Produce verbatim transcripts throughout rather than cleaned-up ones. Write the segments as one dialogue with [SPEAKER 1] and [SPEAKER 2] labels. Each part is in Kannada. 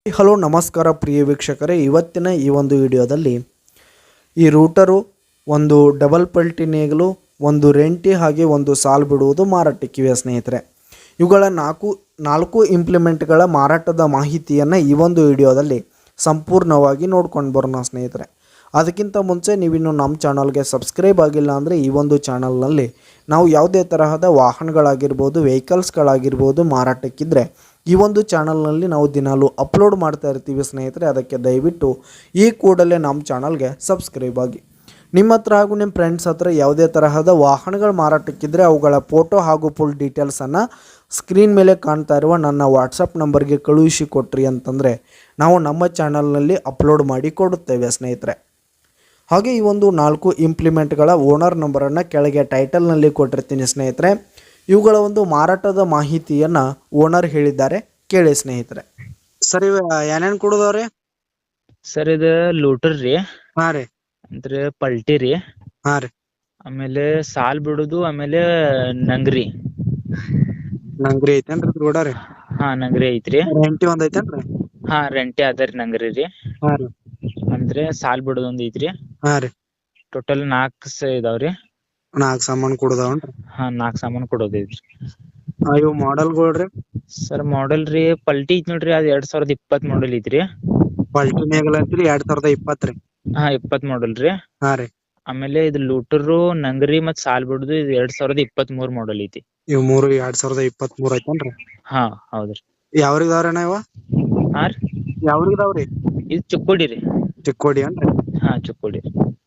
[SPEAKER 1] ಹಲೋ ನಮಸ್ಕಾರ ಪ್ರಿಯ ವೀಕ್ಷಕರೇ, ಇವತ್ತಿನ ಈ ಒಂದು ವಿಡಿಯೋದಲ್ಲಿ ಈ ರೂಟರು, ಒಂದು ಡಬಲ್ ಪಲ್ಟಿ ನೇಗಿಲು, ಒಂದು ರೆಂಟಿ ಹಾಗೆ ಒಂದು ಸಾಲ್ ಬಿಡುವುದು ಮಾರಾಟಕ್ಕಿವೆ ಸ್ನೇಹಿತರೆ. ಇವುಗಳ ನಾಲ್ಕು ನಾಲ್ಕು ಇಂಪ್ಲಿಮೆಂಟ್ಗಳ ಮಾರಾಟದ ಮಾಹಿತಿಯನ್ನು ಈ ಒಂದು ವಿಡಿಯೋದಲ್ಲಿ ಸಂಪೂರ್ಣವಾಗಿ ನೋಡ್ಕೊಂಡು ಬರೋಣ ಸ್ನೇಹಿತರೆ. ಅದಕ್ಕಿಂತ ಮುಂಚೆ ನೀವಿನ್ನು ನಮ್ಮ ಚಾನಲ್ಗೆ ಸಬ್ಸ್ಕ್ರೈಬ್ ಆಗಿಲ್ಲ ಅಂದರೆ ಈ ಒಂದು ಚಾನಲ್ನಲ್ಲಿ ನಾವು ಯಾವುದೇ ತರಹದ ವಾಹನಗಳಾಗಿರ್ಬೋದು, ವೆಹಿಕಲ್ಸ್ಗಳಾಗಿರ್ಬೋದು ಮಾರಾಟಕ್ಕಿದ್ರೆ ಈ ಒಂದು ಚಾನಲ್ನಲ್ಲಿ ನಾವು ದಿನಾಲೂ ಅಪ್ಲೋಡ್ ಮಾಡ್ತಾ ಇರ್ತೀವಿ ಸ್ನೇಹಿತರೆ. ಅದಕ್ಕೆ ದಯವಿಟ್ಟು ಈ ಕೂಡಲೇ ನಮ್ಮ ಚಾನಲ್ಗೆ ಸಬ್ಸ್ಕ್ರೈಬ್ ಆಗಿ. ನಿಮ್ಮ ಹತ್ರ ಹಾಗೂ ನಿಮ್ಮ ಫ್ರೆಂಡ್ಸ್ ಹತ್ರ ಯಾವುದೇ ತರಹದ ವಾಹನಗಳು ಮಾರಾಟಕ್ಕಿದ್ರೆ ಅವುಗಳ ಫೋಟೋ ಹಾಗೂ ಫುಲ್ ಡೀಟೇಲ್ಸನ್ನು ಸ್ಕ್ರೀನ್ ಮೇಲೆ ಕಾಣ್ತಾ ಇರುವ ನನ್ನ ವಾಟ್ಸಪ್ ನಂಬರ್ಗೆ ಕಳುಹಿಸಿ ಕೊಟ್ರಿ ಅಂತಂದರೆ ನಾವು ನಮ್ಮ ಚಾನಲ್ನಲ್ಲಿ ಅಪ್ಲೋಡ್ ಮಾಡಿ ಕೊಡುತ್ತೇವೆ ಸ್ನೇಹಿತರೆ. ಹಾಗೆ ಈ ಒಂದು ನಾಲ್ಕು ಇಂಪ್ಲಿಮೆಂಟ್ಗಳ ಓನರ್ ನಂಬರನ್ನು ಕೆಳಗೆ ಟೈಟಲ್ನಲ್ಲಿ ಕೊಟ್ಟಿರ್ತೀನಿ ಸ್ನೇಹಿತರೆ. ಇವುಗಳ ಒಂದು ಮಾರಾಟದ ಮಾಹಿತಿಯನ್ನು ಓನರ್ ಹೇಳಿದ್ದಾರೆ, ಕೇಳಿ ಸ್ನೇಹಿತರೆ. ಸರ್, ಇವ ಏನೇನು ಕೊಡೋದವ್ರಿ?
[SPEAKER 2] ಸರ್ ಇದು ಲೂಟರ್ ರೀ,
[SPEAKER 1] ಹಾಂ ರೀ,
[SPEAKER 2] ಅಂದ್ರೆ ಪಲ್ಟಿ ರೀ,
[SPEAKER 1] ಹಾಂ ರೀ,
[SPEAKER 2] ಆಮೇಲೆ ಸಾಲ್ ಬಿಡುದು, ಆಮೇಲೆ ನಂಗ್ರಿ.
[SPEAKER 1] ನಂಗ್ರಿ ಐತೇನ್ರಿ ರೋಡ ರೀ?
[SPEAKER 2] ಹಾ ನಂಗ್ರಿ ಐತ್ರಿ.
[SPEAKER 1] ರೆಂಟಿ ಒಂದ್ ಐತೇನ್ರಿ?
[SPEAKER 2] ಹಾ ರೆಂಟಿ ಅದರಿ ನಂಗ್ರಿ ರೀ.
[SPEAKER 1] ಹಾಂ ರೀ,
[SPEAKER 2] ಅಂದ್ರೆ ಸಾಲ್ ಬಿಡುದು ಒಂದ್ ಐತ್ರಿ.
[SPEAKER 1] ಹಾಂ ರೀ.
[SPEAKER 2] ಟೋಟಲ್ ನಾಲ್ಕು ಇದಾವ್ರಿ.
[SPEAKER 1] ನಾಲ್ಕು ಸಾಮಾನು ಕೊಡೋದವನ್ರಿ?
[SPEAKER 2] ಹಾ ನಾಲ್ಕು ಸಾಮಾನು ಕೊಡೋದ್ ಐತ್ರಿ.
[SPEAKER 1] ಇವು ಮಾಡೆಲ್ಗಳು ರೀ?
[SPEAKER 2] ಸರ್ ಮಾಡೆಲ್ ರೀ ಪಲ್ಟಿ ಐತಿ ನೋಡ್ರಿ, ಅದ್ ಎರಡ್ ಸಾವಿರದ ಇಪ್ಪತ್ತ್ ಮಾಡೆಲ್ ಐತ್ರಿ.
[SPEAKER 1] ಪಲ್ಟಿ ನೇಗಲ್ ಅಂತೀರಿ ಎರಡ್ ಸಾವಿರದ ಇಪ್ಪತ್ತು ರೀ?
[SPEAKER 2] ಹಾ ಇಪ್ಪತ್ತ್ ಮಾಡೆಲ್ ರೀ.
[SPEAKER 1] ಹಾಂ ರೀ.
[SPEAKER 2] ಆಮೇಲೆ ಇದು ಲೂಟರು, ನಂಗ್ರಿ ಮತ್ ಸಾಲ್ ಬಿಡುದು ಇದು ಎರಡ್ ಸಾವಿರದ ಇಪ್ಪತ್ತ್ ಮೂರ್ ಮಾಡೆಲ್ ಐತಿ.
[SPEAKER 1] ಇವ್ ಮೂರು ಎರಡ್ ಸಾವಿರದ ಇಪ್ಪತ್ತ್ ಮೂರ್ ಐತೇನ್ರಿ?
[SPEAKER 2] ಹಾ ಹೌದ್ರಿ.
[SPEAKER 1] ಯಾವ್ರಿಗದಾವ್ರಣ್ಣ ಇವ?
[SPEAKER 2] ಹಾ ರೀ,
[SPEAKER 1] ಯಾವ್ರಿಗದಾವ್ರಿ?
[SPEAKER 2] ಇದು ಚಿಕ್ಕೋಡಿ ರೀ.
[SPEAKER 1] ಚಿಕ್ಕೋಡಿ ಅನ್ರಿ?
[SPEAKER 2] ಹಾ ಚಿಕ್ಕೋಡಿ.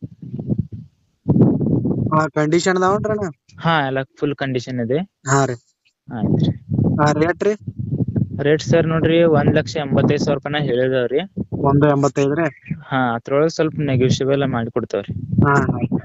[SPEAKER 1] ಹಾ ಕಂಡೀಷನ್ ಅದಾವನ್ರಿ ಅಣ್ಣ?
[SPEAKER 2] ಹಾ ಎಲ್ಲ ಫುಲ್ ಕಂಡೀಷನ್ ಇದೆ.
[SPEAKER 1] ಹಾ ರೀ.
[SPEAKER 2] ಆಯ್ತ್ರಿ.
[SPEAKER 1] ಹಾ ರೇಟ್ ರೀ?
[SPEAKER 2] ರೇಟ್ ಸರ್ ನೋಡ್ರಿ ಒಂದ್ ಲಕ್ಷ ಎಂಬತ್ತೈದು ಸಾವಿರ ರೂಪಾಯಿನ ಹೇಳಿದಾವ್ರಿ.
[SPEAKER 1] ಒಂದು ಎಂಬತ್ತೈದು ರೀ?
[SPEAKER 2] ಹಾ ಅದ್ರೊಳಗೆ ಸ್ವಲ್ಪ ನೆಗೋಷಿಯಬಲ್ ಮಾಡಿ ಕೊಡ್ತಾವ್ರಿ.
[SPEAKER 1] ಹಾ